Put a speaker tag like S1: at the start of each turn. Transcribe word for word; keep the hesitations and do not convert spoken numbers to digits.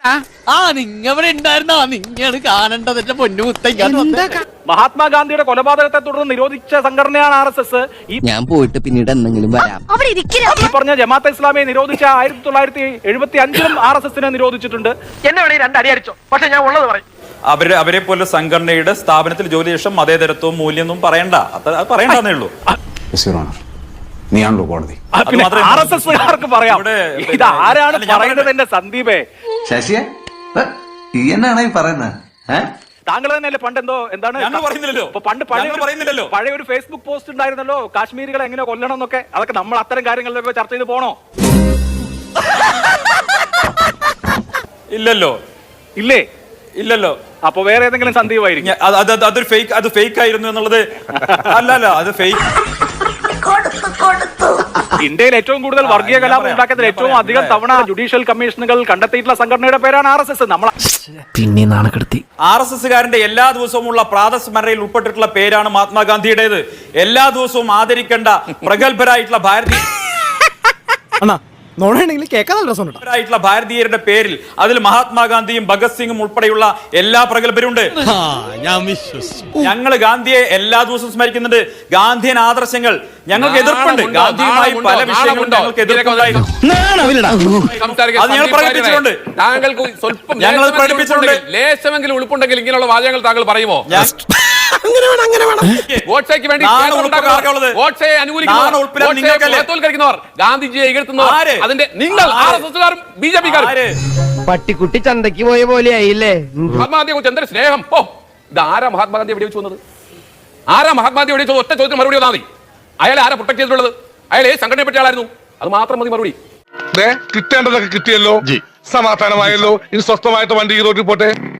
S1: ആ നിങ്ങവിടെ ഉണ്ടായിരുന്നോ? നിങ്ങള് കാണേണ്ടത് എന്റെ പൊന്നു മുത്തയ്ക്ക്.
S2: മഹാത്മാഗാന്ധിയുടെ കൊലപാതകത്തെ തുടർന്ന് നിരോധിച്ച സംഘടനയാണ് ആർ എസ് എസ്.
S3: ഞാൻ പോയിട്ട് പിന്നീട് എന്തെങ്കിലും വരാം.
S2: ഈ പറഞ്ഞ ജമാഅത്തെ ഇസ്ലാമിയെ നിരോധിച്ച ആയിരത്തി തൊള്ളായിരത്തി എഴുപത്തി അഞ്ചിലും ആർ എസ് എസിനെ നിരോധിച്ചിട്ടുണ്ട്.
S4: എന്നെ വേണേ രണ്ടടി അടിച്ചോ, പക്ഷെ ഞാൻ ഉള്ളത് പറയും.
S5: അവര് അവരെ പോലെ സംഘടനയുടെ സ്ഥാപനത്തിൽ ജോലി ശേഷം മതേതരത്വവും മൂല്യമൊന്നും പറയണ്ട, അത് പറയണ്ടെന്നേ ഉള്ളൂ.
S6: നീയാണല്ലോ കോടതി.
S2: ആർ എസ് എസ്കാർക്ക് പറയാം. ഇത് ആരാണ് പറയുന്നത്? എന്റെ സന്ദീപേ,
S6: ശശിയെ എന്നാണ് ഈ പറയുന്നത്?
S2: താങ്കൾ തന്നെയല്ലേ പണ്ട് എന്തോ എന്താണ് പണ്ട് പറയുന്നില്ലല്ലോ, പഴയ ഒരു ഫേസ്ബുക്ക് പോസ്റ്റ് ഉണ്ടായിരുന്നല്ലോ, കാശ്മീരികളെ എങ്ങനെ കൊല്ലണം എന്നൊക്കെ. അതൊക്കെ നമ്മൾ അത്തരം കാര്യങ്ങളിലൊക്കെ ചർച്ച ചെയ്ത് പോണോ?
S5: ഇല്ലല്ലോ.
S2: ഇല്ലേ?
S5: ഇല്ലല്ലോ.
S2: അപ്പൊ വേറെ ഏതെങ്കിലും സന്ദീപായിരിക്കും.
S5: അതൊരു ഫേക്ക്, അത് ഫേക്ക് ആയിരുന്നു എന്നുള്ളത് അല്ല അല്ല അത് ഫേക്ക്.
S2: ഇന്ത്യയിൽ ഏറ്റവും കൂടുതൽ വർഗീയ കലാപം ഉണ്ടാക്കിയതിൽ ഏറ്റവും അധികം തവണ ജുഡീഷ്യൽ കമ്മീഷനുകൾ കണ്ടെത്തിയിട്ടുള്ള സംഘടനയുടെ പേരാണ് ആർ എസ് എസ്. നമ്മൾ
S3: പിന്നെ നാണക്കെടുത്തി.
S5: ആർ എസ് എസ്സുകാരന്റെ എല്ലാ ദിവസവും ഉള്ള പ്രാതസ്മരണയിൽ ഉൾപ്പെട്ടിട്ടുള്ള പേരാണ് മഹാത്മാഗാന്ധിയുടേത്. എല്ലാ ദിവസവും ആദരിക്കേണ്ട പ്രഗത്ഭരായിട്ടുള്ള ഭാരതീയ ായിട്ടുള്ള ഭാരതീയരുടെ പേരിൽ അതിൽ മഹാത്മാഗാന്ധിയും ഭഗത് സിംഗും ഉൾപ്പെടെയുള്ള എല്ലാ പ്രഗത്ഭരുണ്ട്. ഞങ്ങൾ ഗാന്ധിയെ എല്ലാ ദിവസവും സ്മരിക്കുന്നുണ്ട്. ഗാന്ധിയൻ ആദർശങ്ങൾ ഞങ്ങൾക്ക് എതിർപ്പുണ്ട്. ഗാന്ധിയുമായി പല വിഷയങ്ങളും ഞങ്ങൾക്ക് എതിർപ്പുണ്ടായിരുന്നു. അത് ഞങ്ങൾ പ്രകടിപ്പിച്ചിട്ടുണ്ട്.
S7: താങ്കൾക്ക് സ്വല്പം
S5: ഞങ്ങൾ പ്രകടിപ്പിച്ചിട്ടുണ്ട്.
S7: ലേശമെങ്കിലും ഉൾപ്പുണ്ടെങ്കിൽ ഇങ്ങനെയുള്ള വാചകങ്ങൾ താങ്കൾ പറയുമോ? ഗോഡ്സേക്ക് വേണ്ടി ഗോഡ്സയെ അനുകൂലിക്കുന്നവർ, ഗാന്ധിജിയെ എതിർക്കുന്നവർ, അതിന്റെ നിങ്ങൾ ആർ എസ് എസ്കാരും ബി ജെ പിക്കാരും
S3: പട്ടിക്കുട്ടി ചന്തയ്ക്ക് പോയ പോലെ ആയില്ലേ?
S7: മഹാത്മാഗാന്ധിയെ കുറിച്ച് എന്തൊരു സ്നേഹം! ഓ, ഇത് ആരാ മഹാത്മാഗാന്ധി വെടിവെച്ച് വന്നത്? ആരാ മഹാത്മാഗാന്ധി വെടിവെച്ചത്? ഒറ്റ ചോദ്യത്തിന് മറുപടി വന്നാൽ മതി. അയാളെ ആരാ പ്രൊട്ടക്ട് ചെയ്തിട്ടുള്ളത്? അയാൾ ഏത് സംഘടനയെ പറ്റിയ ആളായിരുന്നു? അത് മാത്രം മതി മറുപടി.
S8: കിട്ടേണ്ടതൊക്കെ കിട്ടിയല്ലോ, സമാധാനമായല്ലോ. ഇനി സ്വസ്ഥമായിട്ട് വണ്ടി ഈ റോഡിൽ പോട്ടെ.